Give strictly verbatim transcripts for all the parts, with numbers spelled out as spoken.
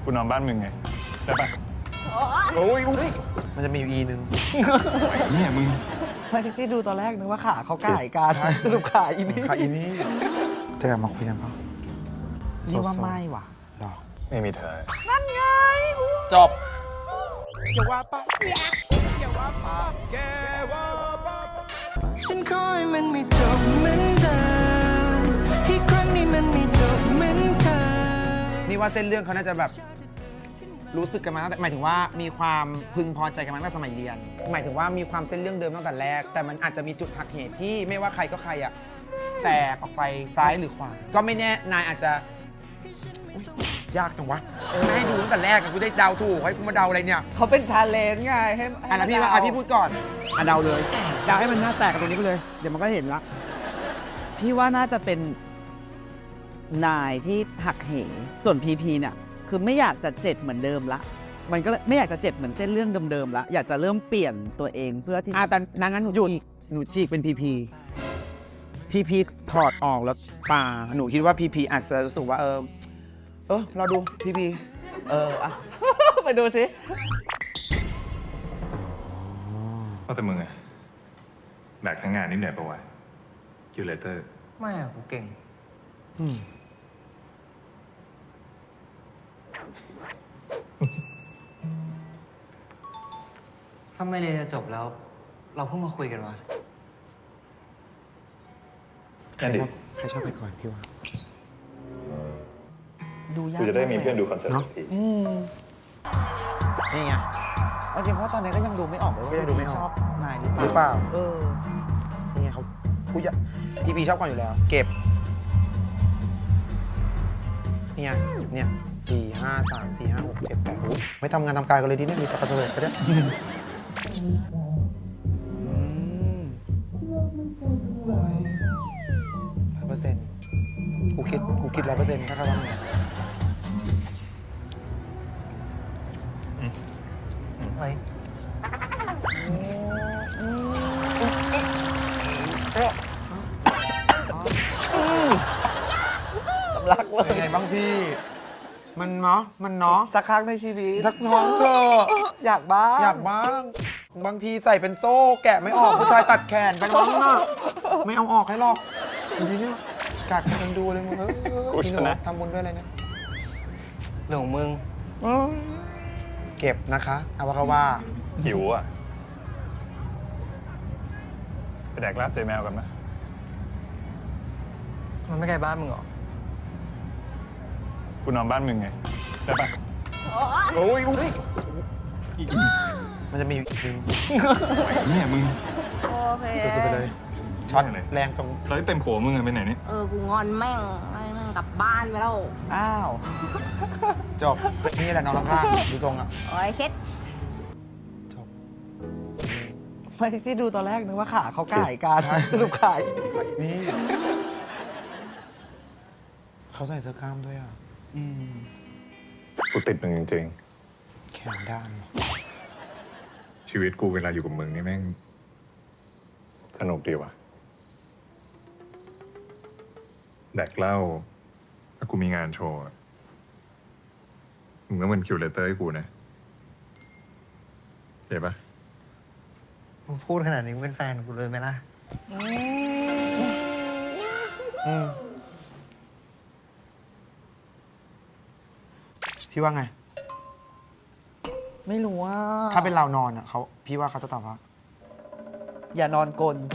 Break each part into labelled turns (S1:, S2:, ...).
S1: กูนอนบ้านมึงไงได้ปะโอ้ย
S2: มันจะมีอยู่อีนึง
S1: เนี่ยมึง
S3: ไม่ที่ดูตอนแรกนึกว่าขาเขาก่ายกันสรุปขาอีนี่
S2: ค่ะอีนี่จะกลับมาคุยกันเปล่า
S3: นี่ว่าไม่ว่ะ
S2: หรอ
S1: ไม่มีเธอ
S2: จบ
S4: ฉันขอให้มันไม่จบเหมือนเดิมอีกครั้งนี้มันไม่จบเหมือนเคย
S2: นี่ว่าเส้นเรื่องเขาน่าจะแบบรู้สึกกันมาตั้งแต่หมายถึงว่ามีความพึงพอใจกันมาตั้งแต่สมัยเรียน หมายถึงว่ามีความเส้นเรื่องเดิมตั้งแต่แรก แต่มันอาจจะมีจุดหักเหที่ไม่ว่าใครก็ใครอะแตกออกไปซ้ายหรือขวา ก็ไม่แน่นายอาจจะอุ๊ยยากจังวะไม่ให้ดูตั้งแต่แรกอะกูได้เดาถูกให้กูมาเดาอะไรเนี่ย
S3: เขาเป็นชาเลนจ์ไงให้
S2: อ่ะนะพี่ว่าอ่ะพี่พูดก่อนอ่ะเดาเลย
S5: เดาให้มันหน้าแตกกันตรงนี้ไปเลย เดี๋ยวมันก็เห็นละ
S3: พี่ว่าน่าจะเป็นนายที่หักเหส่วนพีพีเนี่ยคือไม่อยากจะเจ็บเหมือนเดิมละ มันก็ไม่อยากจะเจ็บเหมือนเส้นเรื่องเดิมๆละอยากจะเริ่มเปลี่ยนตัวเองเพื่อที่
S5: อ่ะแต่นางงั้นหนูหยุดหนูฉีกเป็นพีพีพีพีถอดออกแล้วป่า
S2: หนูคิดว่าพีพีอาจจะรู้สึกว่าเออเออเราดูพีพี
S3: เอออะ ไปดูสิ
S1: ว่าแต่มึงอะแบกทั้งงานนี่เหนื่อยปะวะคิวเลเตอร์
S4: ไม่อะกูเก่ง
S2: อืม
S4: ถ้าไม่เรียนจะจบแล้ว เราเพิ่งมาคุยกันวะ
S2: ใครชอบใครชอบไปก่อนพี่ว่า
S3: ดูยาก
S1: กูจะได้มี
S3: ากลย
S1: เพื่อนดูคอนเสิร์ต
S2: เนอะ
S1: ที
S3: อืม
S2: นี่ไง
S3: เอาจริงเพราะตอนนี้ก็ยังดูไม่ออกเลยว่า
S2: ก็ยังดูไม่ออก
S3: ชอบนายหรือ
S2: หรือเปล่า
S3: เออ
S2: นี่ไงเขาผู้ใหญ่พีพีชอบก่อนอยู่แล้ว เก็บเนี่ยเนี่ยสี่ห้าสามสี่ห้าหกเจ็ดแปดโอ้ยไม่ทำงานทำการกันเลยดิเนี่ยมีแต่กระเทยไปเนี่ย
S3: อืม
S2: ร้อยเปอร์เซ็นต์กูคิดกูคิดร้อยเปอร์เซ็นต์ถ้าเขาทำงาน
S4: เฮ้ย
S3: สำลักเล
S2: เป็น
S3: ย
S2: ไงบ้างพี่ มันเนาะมันเนาะ
S3: สักครั้งในชีวิต
S2: สักท้องเถอะ
S3: อยากบ้าง
S2: อยากบ้าง บางทีใส่เป็นโซ่ แกะไม่ออกผู้ชายตัดแขนไปน้องน่ะไม่เอาออกให้หรอกทีนี้กัดกันดูเลยมึงเออพี่หนูทำบุญด้วยอะไรเนี่ย
S4: เรื่องของมึง
S2: เก็บนะคะเอาว่าเขาว่า
S1: หิวอ่ะไปแดกลาบใจแมวกันไหม
S4: มันไม่ไกลบ้านมึงเหรอ
S1: กูนอนบ้านมึงไงได้ปะโอ้ย
S2: มันจะมีอยู่อีกนึง
S1: เนี่ยมึง
S6: โอเค
S2: สุดๆไปเลยช็อต
S1: ไม่เลย
S2: แรงตรง
S1: เราเต็มโผมึงอะไปไหนนี่
S6: เออ กูงอนแม่งให้แม่งกลับบ้านไปแล้ว
S3: อ้าว
S2: จบนี่แหละน้องข้างๆดูตรงอ่ะ
S6: โอ้ยเคส
S2: จบ
S3: ไม่ที่ดูตอนแรกนึกว่าขาเขาก่ายกันสรุปขาอีนี่
S2: นี่เขาใส่เสื้อกล้ามด้วยอ่ะ
S3: อืม
S1: กูติดมึงจริง
S2: แขนด้าน
S1: ๆชีวิตกูเวลาอยู่กับมึงนี่แม่งสนุกดีว่ะแดกเหล้าถ้ากูมีงานโชว์อะมึงก็เป็นคิวเลเตอร์ให้กูนะเห็นปะ
S4: มึงพูดขนาดนี้มึงเป็นแฟนกูเลยไหมล่ะ
S2: อืมพี่ว่าไง
S3: ไม่รู้ว่า
S2: ถ้าเป็นเรานอนอ่ะเขาพี่ว่าเขาจะตอบว่า
S3: อย่านอนกลน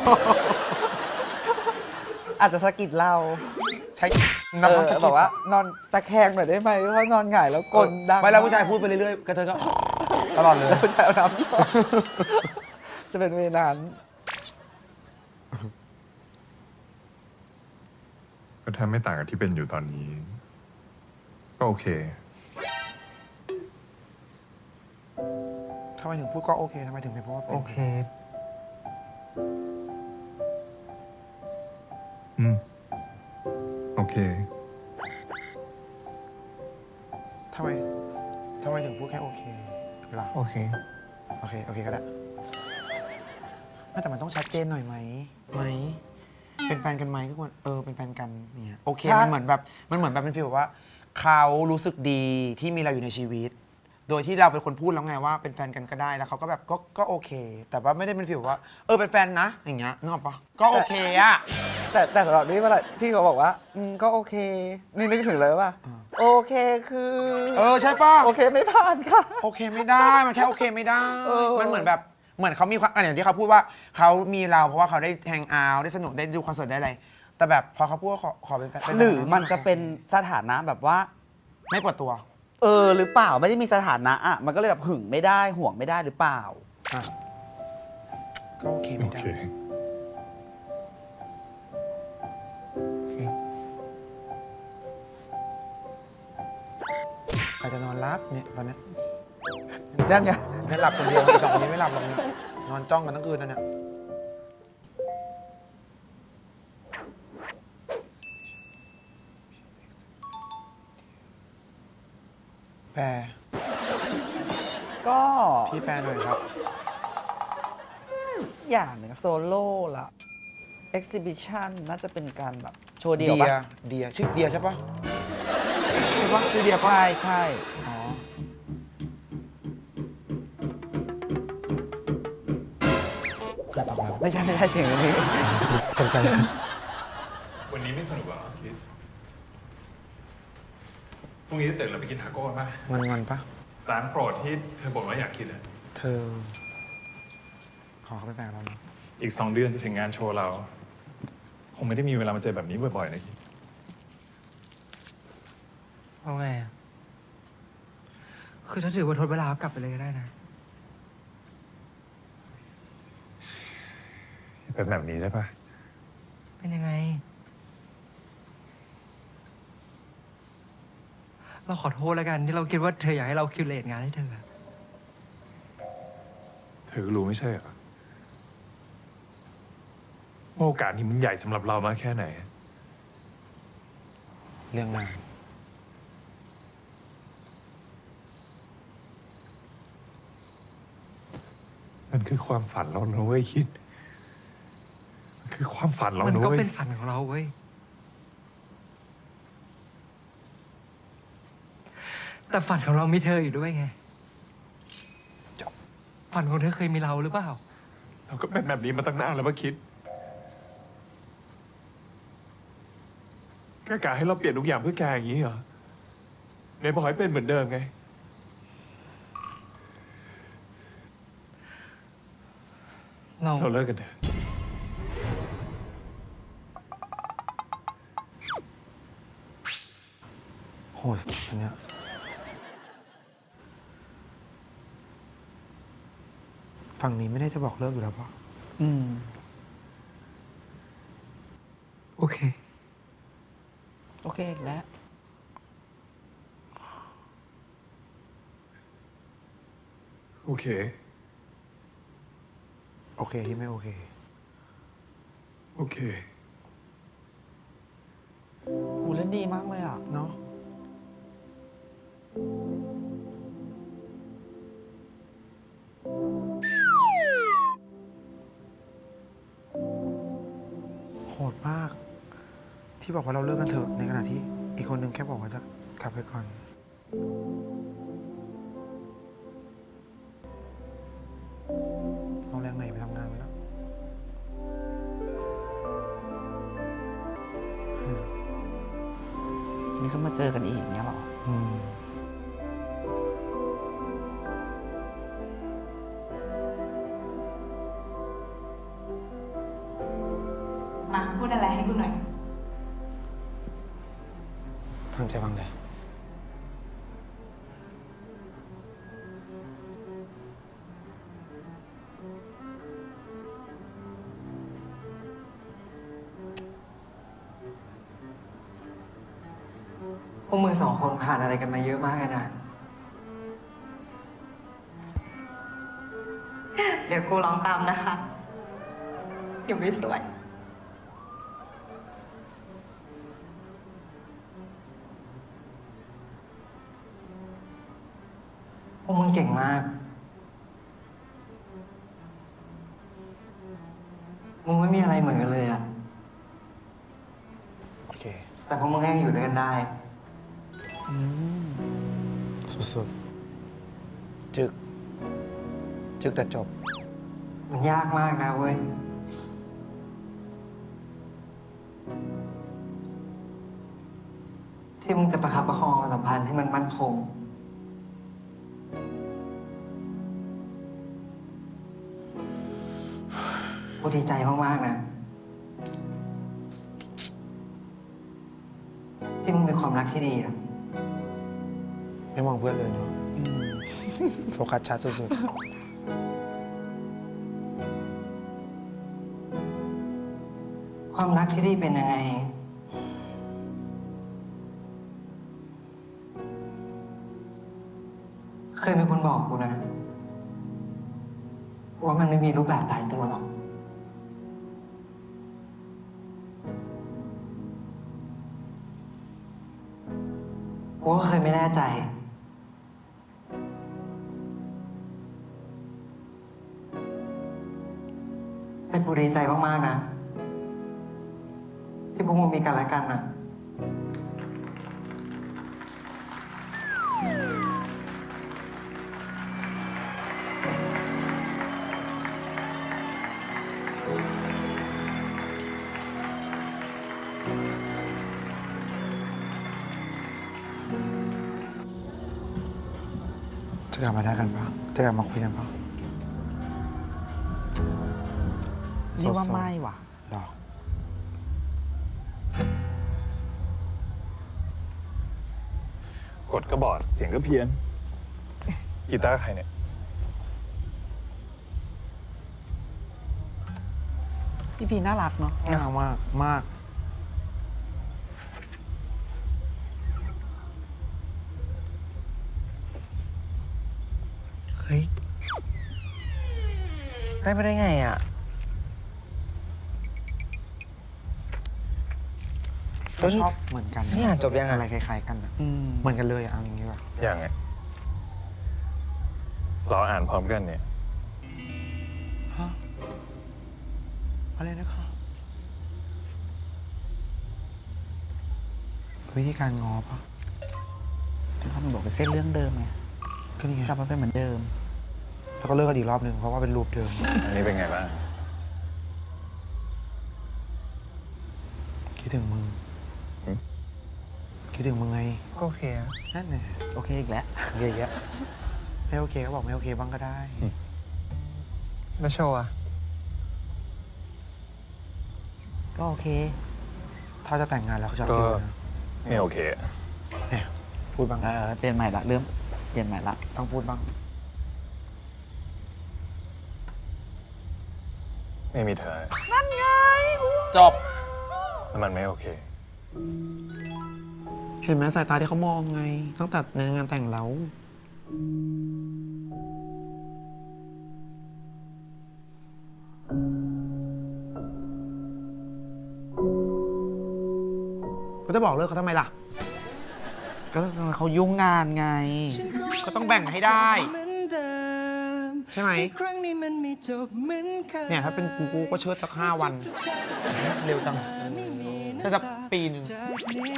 S3: อาจจะสะกิดเรา
S2: ใช้
S3: เออแบบว่านอนตะแคงหน่อยได้ไหมเพราะนอนหงายแล้วกลนดัง
S2: ไม่แล้วผู้ชายพูดไปเรื่อยๆกระเทยก็ ตลอดเลย
S3: แล้วผู้ชายเอาน้ำหยอดจะเป็นเวลานั้น
S1: ก็แทบไม่ต่างกับที่เป็นอยู่ตอนนี้ ก็โอเค
S2: ทำไมถึงพูดก็โอเคทำไมถึงไม่พูดว่าเป็น
S4: โอเค
S1: อืม โอเค
S2: ทำไมทำไมถึงพูดแค่โอเคล่ะ
S4: โอเค
S2: โอเค โอเคก็ได้ไม่แต่มันต้องชัดเจนหน่อยไหมไหม เป็นแฟนกันไหมก็ควรเออ เป็นแฟนกันเนี่ยโอเค มันเหมือนแบบ มันเหมือนแบบเป็นฟีลแบบว่าเขารู้สึกดีที่มีเราอยู่ในชีวิต โดยที่เราเป็นคนพูดแล้วไงว่าเป็นแฟนกันก็ได้แล้วเขาก็แบบก็ก็โอเค แต่ว่าไม่ได้เป็นฟีลว่าเออเป็นแฟนนะอย่างเงี้ยนึกออกปะก็โอเคอะ
S3: แต่แต่สำหรับนี่เวลาที่เขาบอกว่าอืมก็โอเค นี่นึกถึงเลยว่าโอเคคือ
S2: เออใช่ปะ
S3: โอเคไม่ผ่านค่ะ
S2: โอเคไม่ได้มันแค่โอเคไม่ได้
S3: เออ
S2: มันเหมือนแบบเหมือนเขามีความอ่ะอย่างที่เขาพูดว่าเขามีเราเพราะว่าเขาได้แฮงเอาท์ได้สนุกได้ดูคอนเสิร์ตได้อะไรแต่แบบพอเขาพูดว่าขอขอเป็นแฟนเป็นแฟน
S3: หรือมันจะเป็นสถานะแบบว่า
S2: ไม่ปวดตัว
S3: เออหรือเปล่าไม่ได้มีสถานะอ่ะมันก็เลยแบบหึงไม่ได้ห่วงไม่ได้หรือเปล่า
S2: อ่ะก็โอเค
S1: โอ
S2: ไม่ได้
S1: เค
S2: ใครจะนอนรับเนี่ยตอนเนี้ย
S3: นั่นไง
S2: ไม่หลับคนเดียวอีกสองคนนี้ไม่หลับหรอกเนี่ยนอนจ้องกันทั้งคืนตอนเนี้ยแปล
S3: ก็
S2: พี่แปลหน่อยครับ
S3: อย่างหนึ่งโซโล่ละ exhibition น่าจะเป็นการแบบโชว์เดี
S2: เดี
S3: ยวย ปะ
S2: เดียชื่อเดียใช่ปะใช่ปะชื่อเดียปะ
S3: ใช่ใช่
S2: อ๋อเกิดตอบรับ
S3: ไม่ใช่ไม่ใช่เสียงนี้
S2: ตกใจ
S1: วันนี้ไม่สนุกเหรอคิดพรุ่งนี้ตื่นเราไปกินทาโก้กันป่ะ
S2: งอนงอนๆปะ
S1: ร้านโปรดที่เธอบอกว่าอยากกินอ่ะ
S2: เธอ ขอเขาไปแปลเราเนาะ
S1: อีกสองเดือนจะถึงงานโชว์เรา คงไม่ได้มีเวลามาเจอแบบนี้บ่อยๆนะคิด
S7: เอาไงอะคือถ้าถือว่าทดเวลากลับไปเลยก็ได้นะ
S1: เป็นแบบนี้ได้ปะ
S7: เป็นยังไง เราขอโทษแล้วกันที่เราคิดว่าเธออยากให้เราคิวเลตงานให้เธออะ
S1: เธอก็รู้ไม่ใช่เหรอว่าโอกาสนี้มันใหญ่สำหรับเรามากแค่ไหน
S2: เรื่องงาน
S1: มันคือความฝันเรานะเว้ยคิด มันคือความฝันเรา
S7: มัน
S1: นะ
S7: ก็
S1: เว้ย
S7: เป็นฝันของเราเว้ย แต่ฝันของเรามีเธออยู่ด้วยไง ฝันของเธอเคยมีเราหรือเปล่า
S1: เราก็เป็นแบบนี้มาตั้งนานแล้วมาคิดแกกะให้เราเปลี่ยนทุกอย่างเพื่อแกอย่างนี้เหรอในบอกให้เป็นเหมือนเดิมไง
S7: เรา
S1: เราเลิกกันเถอะ
S2: โหดอันเนี้ยฝั่งนี้ไม่ได้จะบอกเลิกอยู่แล้วปะ
S3: อืม
S7: โอเค
S3: โอเคอีกแล้ว
S1: โอเค
S2: โอเคที่ไม่โอเค
S1: โอเค
S3: หูเล่นดีมากเลยอ่ะ
S2: เนาะโหดมาก ที่บอกว่าเราเลิกกันเถอะในขณะที่อีกคนนึงแค่บอกว่าจะกลับไปก่อน เอาแรงไหนไปทำงานไปแล้วเออ
S3: นี่ก็มาเจอกันอีกเนี้ยเหรอ
S2: อืม
S6: มาพูดอะไรให้กูหน่อย
S2: ทางใจฟังเลย
S7: พวกมึงสองคนผ่านอะไรกันมาเยอะมากเลยนะ
S6: เดี๋ยวกูร้องตามนะคะเดี๋ยวไม่สวย
S7: พวกมึงเก่งมาก มึงไม่มีอะไรเหมือนกันเลยอะ
S2: โอเค
S7: แต่พวกมึงก็ยังอยู่ด้วยกันได้
S2: สุดๆ จึก จึกแต่จบ
S7: มันยากมากนะเว้ย ที่มึงจะประคับประคองความสัมพันธ์ให้มันมั่นคง กูดีใจมาก ๆ นะ ที่มึงมีความรักที่ดีอะ
S2: ไม่มองเพื่อนเลยเนาะโฟกัสชัดสุด
S7: ความรักที่ดีเป็นยังไง เคยมีคนบอกกูนะ ว่ามันไม่มีรูปแบบตายตัวหรอก กูก็เคยไม่แน่ใจ แต่กูดีใจมากๆนะ ที่พวกมึงมีกันและกันนะ
S2: ๆ จะกลับมาได้กันปะจะกลับมาคุยกันปะ
S3: นี่ว่าไม่ว่ะ
S2: หรอ
S1: กดก็บอด เสียงก็เพี้ยน กีตาร์ใครเนี่ย
S3: พี่พีน่ารักเนาะ
S2: น่ารักมาก มาก
S7: เฮ้ย ได้ไม่ได้ไงอ่ะ
S2: ก็ชอบเหมือนกัน
S7: นี่อ่านจบยังอะ
S2: อะไรคล้ายๆกันอะ
S3: อืม
S2: เหมือนกันเลยอะเอาอย่างนี้ว่ะ
S1: อย่างไงเราอ่านพร้อมกันเนี่ย
S2: ฮะ อะไรนะคะวิธีการง้อปะ
S3: ที่เขาบอกเป็นเส้นเรื่องเดิมไง
S2: ก็นี่ไง
S3: กลับมาเป็นเหมือนเดิม
S2: แล้วก็เลิกกันอีกรอบหนึ่งเพราะว่าเป็นรูปเดิม
S1: อันนี้เป็นไงบ้าง
S2: คิดถึงมึง
S1: หืม
S2: คิดถึงมึงไง
S7: ก็โอเคอะ
S2: นั่นแหละ
S3: โอเคอีกแล้ว
S2: เยอะแยะไม่โอเคก็บอกไม่โอเคบ้างก็ได้
S7: แล้วโชว์อะ
S3: ก็โอเค
S2: ถ้าจะแต่งงานแล้วเขาจะ
S1: ก็
S2: ฟิวนะ
S1: ไม่โอเค
S2: เนี่ยพูดบ้าง
S3: เออเปลี่ยนใหม่ละเริ่มเปลี่ยนใหม่ละ
S2: ต้องพูดบ้าง
S1: ไม่มีเธอ
S2: จบ
S1: แล้วมันไม่โอเค
S2: เห็นไหมสายตาที่เขามองไง ตั้งแต่ในงานแต่งเราก็จะบอกเลิกเขาทำไมล่ะ
S3: ก็เขายุ่งงานไง
S2: ก็ต้องแบ่งให้ได้ ใช่ไหม
S4: ครั้งนี้มันไม่จบเหมือนเคย
S2: เนี่ยถ้าเป็นกูกูก็เชิดสักห้าวัน เร็วจังเชิดสักปีหนึ่ง
S4: จากนี้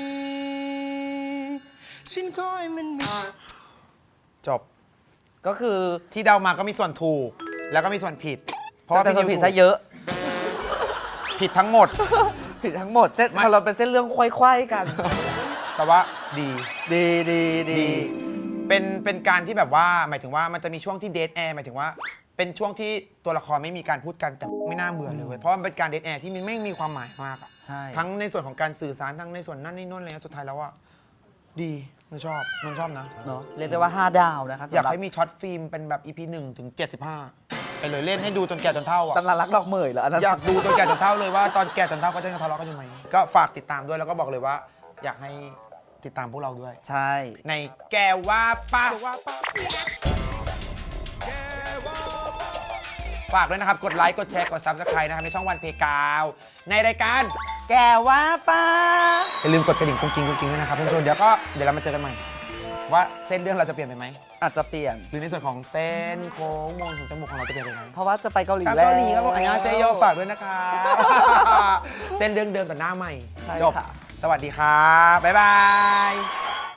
S4: ฉันขอให้มันมี
S2: จบ
S3: ก็คือ
S2: ที่เดามาก็มีส่วนถูก แล้วก็มีส่วนผิด เพราะว่า
S3: แต่
S2: พี่
S3: ส่วน
S2: นิว
S3: ผิด
S2: ถู
S3: ซะ
S2: ก
S3: เยอะ
S2: ผิดทั้งหมด
S3: ผิดทั้งหมดเส้นเราเป็นเส้นเรื่องควายๆกัน
S2: แต่ว่าดี
S3: ดีดีดี
S2: ดี เป็นเป็นการที่แบบว่าหมายถึงว่ามันจะมีช่วงที่เดทแอร์หมายถึงว่า เป็นช่วงที่ตัวละครไม่มีการพูดกันแต่ไม่น่าเบื่อเลยเว้ยเพราะมันเป็นการเดทแอร์ที่มันไม่มีความหมายมากอะ
S3: ใช่
S2: ทั้งในส่วนของการสื่อสารทั้งในส่วนนั่นนี่นู่นอะไรเงี้ยสุดท้ายแล้วอะดีมันชอบมันชอบนะ
S3: เนาะเรียกได้ว่าห้าดาวนะคะ
S2: อยาก
S3: สำหรับ
S2: ให้มีช็อตฟิล์มเป็นแบบ อี พี หนึ่งถึงเจ็ดสิบห้าไปเลยเล่นให้ดูจนแก่จนเท่าอะ
S3: ตำรารักดอกเหมยเหรออันนั้น
S2: อยากดูจนแก่จนเท่าเลยว่าตอนแก่จนเท่าเขาจะยังทะเลาะกันอยู่ไหมก็ฝากติดตามด้วยแล้วก็บอกเลยว่า อยากให้ติดตามพวกเราด้วย
S3: ใช่
S2: ในแกว่าป้าฝากด้วยนะครับ กดไลค์ กดแชร์ กด ซับสไครบ์ นะครับ ในช่องวันเพกาว ในรายการ
S3: แกว่าป้า
S2: อย่าลืมกดกระดิ่งกุ้งกิ้งกุ้งกิ้งด้วยนะครับเพื่อนๆเดี๋ยวก็เดี๋ยวเรามาเจอกันใหม่ ว่าเส้นเรื่องเราจะเปลี่ยนไปไหม
S3: อาจจะเปลี่ยน
S2: หรือในส่วนของเส้นโค้งมนถึงจมูกของเราจะเปลี่ยนไปไหม
S3: เพราะว่าจะไปเกาหลี
S2: ครับ
S3: แล้ว
S2: เกาหลีครับผมอันนี้เซโยฝากด้วยนะครับ เส้นเรื่องเดิมแต่หน้าใหม่
S3: ใช่
S2: จบ
S3: ค่ะ
S2: สวัสดีครับ บ๊ายบาย